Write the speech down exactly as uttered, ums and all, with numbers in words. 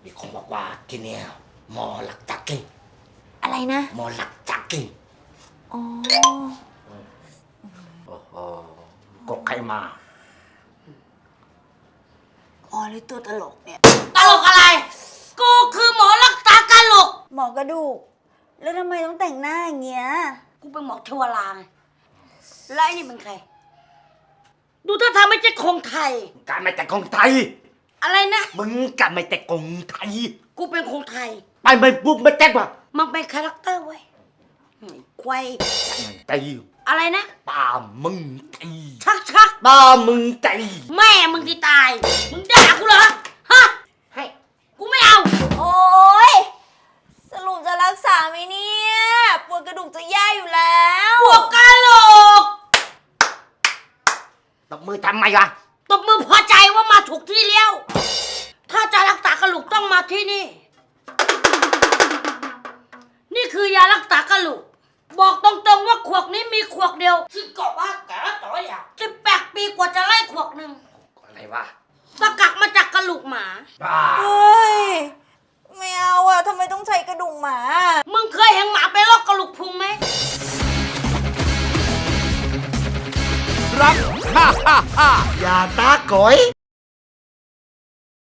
มีคนบอกว่าที่เนี่ยหมอหลักจักกิ่งอะไรนะหมอหลักจักกิ่งอ๋อโอ้โหกกใครมาอ๋อหรือตัวตลกเนี่ยตลกอะไร กูคือหมอรักษากะโหลกหมอกระดูก แล้วทำไมต้องแต่งหน้าอย่างเงี้ยกูเป็นหมอเทวราไงแล้วไอ้นี่เป็นใคร ดูท่าทางไม่ใช่คงไทยการไม่แต่กงไทยอะไรนะมึงกันไม่แต่กงไทยกูเป็นคงไทยไปไม่ปุ๊บไม่แจ๊กว่ะมันเป็นคาแรคเตอร์เว้ยควายใจอะไรนะตามึงใจชักชักตามึงใจแม่มึงที่ตาย มึงด่ากูเหรอ ฮะให้กูไม่เอาโอ๊ย สรุปจะรักษาไหมเนี่ยปวดกระดูกจะแย่อยู่แล้วพวกกะโหลกตบมือทำไมวะตบมือพอใจว่ามาถูกที่แล้ว ถ้าจะรักษากะโหลกต้องมาที่นี่ นี่คือยารักษากะโหลก บอกตรงๆว่าขวดนี้มีขวดเดียวซึ่งก็ว่าแกต่อยอ่ะสิบแปดปีกว่าจะไล่ขวดหนึ่งอะไรวะสกัดมาจากกระโหลกหมาบ้าเฮ้ย ไม่เอาอะทำไมต้องใช้กระดูกหมามึงเคยเห็นหมาไปลอกกระโหลกพุงไหมรักฮ่าฮ่าฮ่าอย่าตาก๋อย